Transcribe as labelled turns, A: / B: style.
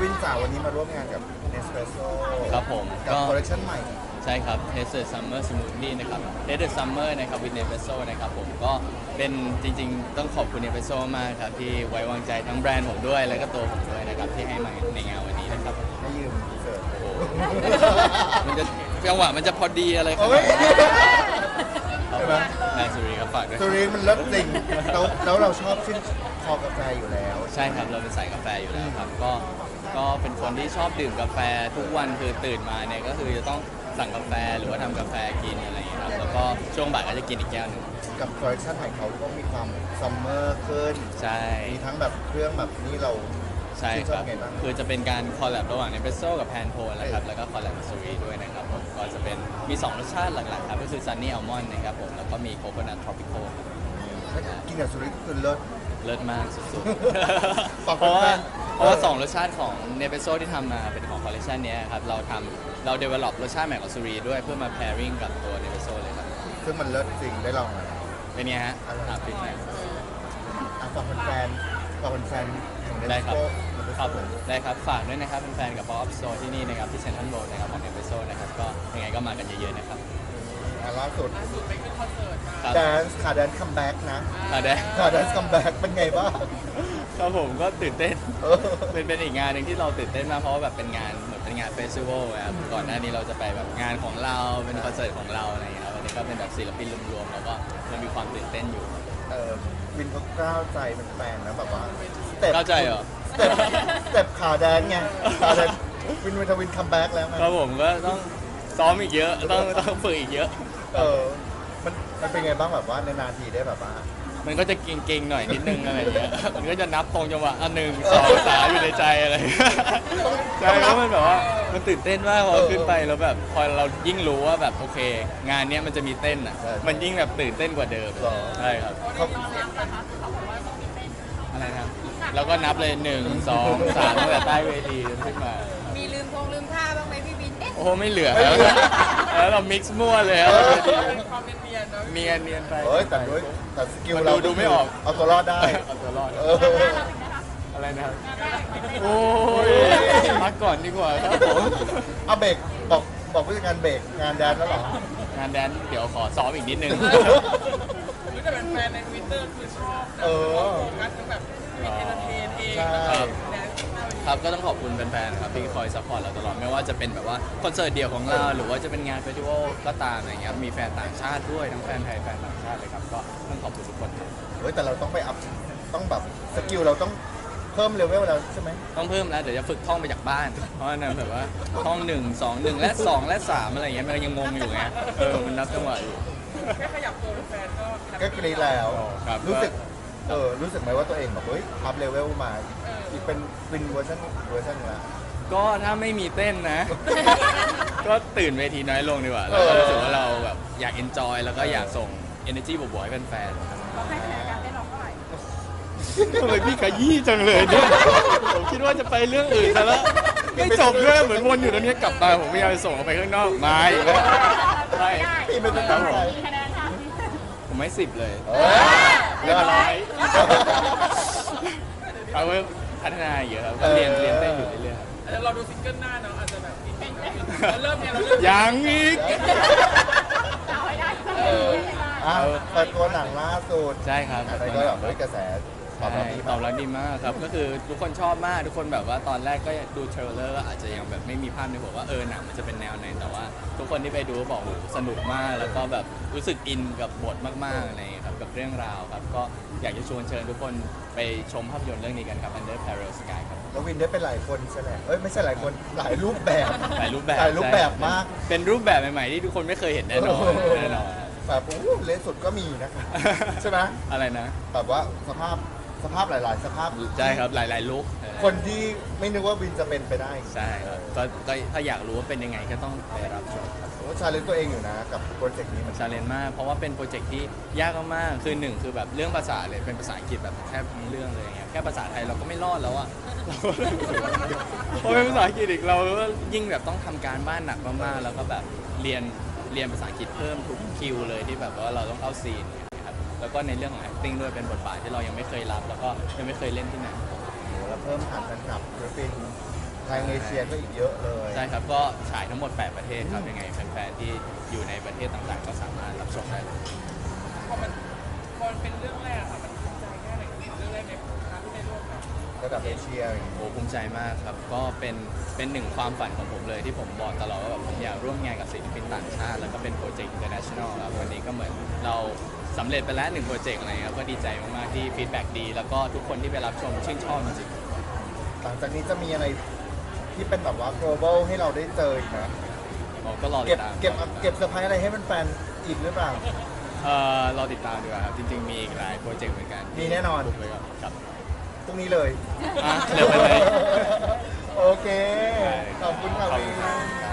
A: วินจ๋าวันนี้มาร่วมงานกับ Nespresso
B: ครับผม
A: กับคอลเลคชันใหม่
B: ใช่ครับ Taste Summer Smoothie นะครับ Taste Summer นะครับ with Nespresso นะครับผมก็เป็นจริงๆต้องขอบคุณ Nespresso มากครับที่ไว้วางใจทั้งแบรนด์ผมด้วยแล้วก็ตัวผมด้วยนะครับที่ให้มาในงานวันนี้นะครับ
A: ให้ยืมเสิร์ฟ
B: โอ้โหมันจะจังหวะมันจะพอดีอะไรขนาด
A: โอ้ย
B: นั้น
A: ใช่ไหม
B: นายสุรีครับฝากด้วย
A: ตัวนี้มันเลิศจริงแล้วเราชอบชื่นคอกาแฟอยู่แล้ว
B: ใช่ครับเราเป็นสายกาแฟอยู่แล้วครับก็เป็นคนที่ชอบดื่มกาแฟทุกวันคือตื่นมาเนี่ยก็คือจะต้องสั่งกาแฟหรือว่าทำกาแฟกินอะไรอย่างเงี้ยครับแล้วก็ช่วงบ่ายก็จะกินอีกแก้วหนึ่ง
A: กับคอลเลคชันใหม่เขาก็มีความซัมเมอร์ขึ้น
B: ใช่
A: มีทั้งแบบเครื่องแบบนี้เรา
B: ใช่
A: ชื่น
B: ค
A: ชอ
B: รั
A: บบ ไงบ้าง
B: คือจะเป็นการคอลแลบระหว่างเนเปโซกับแพนโทนนะครับแล้วก็คอลแลบกับซูรีด้วยนะครับผมก็จะเป็นมี 2 รสชาติหลักๆครับก็คือซันนี่อัลมอนด์นะครับผมแล้วก็มีโคโคนัททรอปิคอล
A: กินกับสุริก็คือเลิศ
B: เลิศมากสุด
A: ฝาก
B: ๆ
A: แฟนๆ
B: เพราะว่า
A: เออ
B: 2 รสชาติของเนเปโซที่ทำมาเป็นของคอลเลคชันนี้ครับเราเดเวล็อปรสชาติใหม่ของซูรีด้วยเพื่อมา pairing กับตัวเนเปโซเลยครับ
A: ซึ่งมันเลิศจริงได้ลองแล้ว
B: เป็นไงฮะ
A: อร่อย
B: ปิดไหม
A: ฝากแฟนๆของ
B: ได้ครับ
A: Nespresso
B: ครับผมได้ครับฝากด้วยนะครับแฟนๆกับ Pop Up Store ที่นี่นะครับที่เซ็นทรัลโรดนะครับของเนเปโซนะครับก็ยังไงก็มากันเยอะๆนะครับ
A: ล่าสุด
B: ครับ
A: แดนซ์ขาแดนซ์คัมแบ็กนะ
B: ได้
A: ขาแดนซ์คัมแบ็กเป็นไงบ้าง
B: ครับผมก็ตื่นเต้น
A: เออ
B: เป็นอีกงานหนึ่งที่เราตื่นเต้นมากเพราะว่าแบบเป็นงานเหมือนเป็นงานเฟสติวัลครับก่อนหน้านี้เราจะไปแบบงานของเราเป็นคอนเสิร์ตของเราอะไรอย่างเงี้ยครับวันนี้ก็เป็นแบบศิลปินรวมๆแล้วก็มันมีความตื่นเต้นอยู่
A: วินเขากล้าวใจเป็นแฟนนะแบบว่าสเต็ป
B: เข้าใจเหรอ
A: สเต็ปขาแดนซ์ไงขาแดนซ์วินคัมแบ็กแล้วไง
B: ครับผมก็ต้องซ้อมอีกเยอะต้องฝึกอีกเยอะ
A: เออมันเป็นไงบ้างแบบว่าในนาทีได้แบบว่า
B: มันก็จะเก่งๆหน่อยนิดนึงอะไรอย่างเงี้ย มันก็จะนับตรงจังหวะ1 2 3อยู่ในใจอะไรอย่างเงี้ยใช่เพราะมันแบบว่ามันตื่นเต้นมากพอขึ้นไปแล้วแบบพอเรายิ่งรู้ว่าแบบโอเค งานเนี้ยมันจะมีเต้นอ่ะ มันยิ่งแบบตื่นเต้นกว่าเดิมใช่ครับ
A: เขา
B: อะไรนะครับแล้วก็นับเลย1 2 3ตั้งแต่ใต้เวทีจนขึ้นมา
C: มีลืมท่าบ้างไหมพี่บิน
B: โอ้โหไม่เหลือแล้วเรามิกซ์มั่วเลยครับ
C: ความเนียนๆเนาะ
B: เนียนไป
A: เฮ้ยแต่สกิล
B: มัน
A: เรา
B: ดูไม่ออก
A: เอาตัวรอดได้
B: เอาตัวรอด
A: เออ
B: อะไรนะครับโอ้ยพักก่อนดีกว่าครับผม
A: เอาเบรกบอกผู้จัดการเบรกงานแดนแล้วเหรอ
B: งานแดนเดี๋ยวขอซ้อมอีกนิดนึง
C: คือแต่เป็นแฟนในทวิตเตอร์คือชอบ
A: เออ
C: โฟกัสทั้งแบบมีเอนเตอร์เทนเอง
A: ใช่
C: แล้วก็แดนซ์หน้าเวที
B: ครับก็ต้องขอบคุณแฟนๆครับที่คอยซัพพอร์ตเราตลอดไม่ว่าจะเป็นแบบว่าคอนเสิร์ตเดี่ยวของเราหรือว่าจะเป็นงานเฟสติวัลก็ตามอะไรเงี้ยมีแฟนต่างชาติด้วยทั้งแฟนไทยแฟนต่างชาติเลยครับก็ต้องขอบคุณทุกคนครับ
A: เฮ้ยแต่เราต้องไปอัพต้องแบบสกิลเราต้องเพิ่มเลเวลแล้วใช่ไหม
B: ต้องเพิ่มแล้วเดี๋ยวจะฝึกท่องไปจากบ้าน เพราะฉะนั้นแบบว่าท่อง1 2 1และ2และ3อะไรอย่างเงี้ยมันยังงงอยู่ไงมันนับจังหวะอยู่
C: แค่ขยับตัวเป็นแฟนก็แฮป
A: ก็
C: ปี้
A: กรีดแล้ว
B: ครับ
A: รู้สึกไหมว่าตัวเองแบบเฮ้ยอัพเลเวลมาอีกเป็นเวอร์ชันนึงละ
B: ก็ถ้าไม่มีเต้นนะ ก็ตื่นเวทีน้อยลงดีกว่าแล้วก็รู้สึกว่าเราแบบอยากเอนจอยแล้วก็อยากส่ง energy บวกๆให้แฟนๆครับ
C: เราให้คะแนนการเต้นเราเท่าไหร่
B: ทำไมพี่ขยี้จังเลยเนี่ยผมคิดว่าจะไปเรื่องอื่นซะแล้วไม่จบด้วยเหมือนวนอยู่ตรงนี้กลับมาผมพยายามจะส่งออกไปข้างนอกไม่อีกแล้วใช่
A: พี่ไม่ต้องตั้งใจ
B: ผมไม่10 เลย
A: เออเรื่องอะไร
B: เอาไว้พัฒนาเยอะครับก็เรียนเต้นอยู่เรื่อยๆครับ
C: แต่เราดูซิงเกิลหน้าเนาะอาจจะแบบอินเราเริ่มเนี่ยเราเริ่ม
B: ยังอีก
A: อ่ะเปิดตัวหนังล่าสุด
B: ใช่ครับ
A: อะไรก็แบบเฮ้ยกระแสตอบรับดี
B: ต
A: มา
B: อก บรับดีมากครับก็คือทุกคนชอบมากทุกคนแบบว่าตอนแรกก็ดูเทรลเลอร์อาจจะยังแบบไม่มีภาพในหัวว่าหนังมันจะเป็นแนวไหนแต่ว่า ทุกคนที่ไปดูก็บอกโอ้โหสนุกมากแล้วก็แบบรู้สึกอินกับบทมากๆอะไรอย่างเงี้ยครับกับเรื่องราวครับก็อยากจะชวนเชิญทุกคนไปชมภาพยนตร์เรื่องนี้กันครับ Under Parallel Sky ครับ
A: แล้ววินได้เป็นหลายคนใช่ไหมเอ้ยไม่ใช่หลายคนหลายรูปแบบ
B: หลายรูปแบบ
A: หลายรูปแบบมาก
B: เป็นรูปแบบใหม่ๆที่ทุกคนไม่เคยเห็นแน่นอนแน่นอน
A: แบบโอ้โหเลนสุดก็มีนะครับ ใช่ไหม
B: อะไรนะ
A: แบบว่าสภาพหลายๆ สภาพ
B: ใช่ครับหลายๆลุค
A: คนที่ไม่นึกว่าวินจะเป็นไปได้
B: ใช่ครับก็ถ้าอยากรู้ว่าเป็นยังไงก็ต้องไปรับชมครับ
A: ผมว่าชาเลนจ์ตัวเองอยู่นะกับโปรเจกต์นี้มัน
B: ชาเลนจ์มากเพราะว่าเป็นโปรเจกต์ที่ยากมากๆคือหนึ่งคือแบบเรื่องภาษาเลยเป็นภาษาอังกฤษแบบแทบทั้งเรื่องเลยอย่างเงี้ยแค่ภาษาไทยเราก็ไม่รอดแล้วอะพอเป็นภาษาอังกฤษอีกเราก็ยิ่งแบบต้องทำการบ้านหนักมากๆแล้วก็แบบเรียนภาษาอังกฤษเพิ่มทุกคิวเลยที่แบบว่าเราต้องเข้าซีนครับแล้วก็ในเรื่องของ acting ด้วยเป็นบทบาทที่เรายังไม่เคยรับ แล้วก็ยังไม่เคยเล่นที่ไหน
A: แล้วเพิ่มฐานแฟนคลับศิลปินทางเอเชียก็อีกเยอะเลย
B: ใช่ครับก็ฉายทั้งหมด 8 ประเทศครับยังไงแฟนๆที่อยู่ในประเทศต่างๆ ก็สามารถรับชมได้เลย
C: พอมันเป็นเรื่องแรกอะค่ะมันภูมิใจแค่ไหนเรื่องแรกในครั้งที่ได้ร่วมกัน
A: ระดับเอเชียอย่างเงี้ย
B: โอ้ภูมิใจมากครับก็เป็นหนึ่งความฝันของผมเลยที่ผมบอกตลอดว่าแบบผมอยากร่วมงานกับศิลปินต่างชาติแล้วก็เป็นโปรเจกต์ international ครับวันนี้ก็เหมือนเราสำเร็จไปแล้ว1 โปรเจกต์อะไรครับก็ดีใจมากๆที่ฟีดแบ็กดี แล้วก็ทุกคนที่ไปรับชมชื่นชอบจริง
A: หลังจากนี้จะมีอะไรที่เป็นแบบว่า global ให้เราได้เจออีกนะ
B: ๆผมก็รอติ
A: เก็บ
B: ดตาม
A: เก็บเซอร์ไพรส์อะไรให้แฟนๆอีกหรือเปล่า
B: รอติดตามดีกว่าครับจริงๆมีอีกหลายโปรเจกต์เหมือนกัน
A: มีแน่นอน
B: บุกไปก่อนครับ
A: พรุ่งนี้เลย
B: อ่ะเร็วไปเลย
A: โอเค
B: ได้
A: ขอบคุณค่ะ
B: ขอบ
A: วี
B: คุณครับ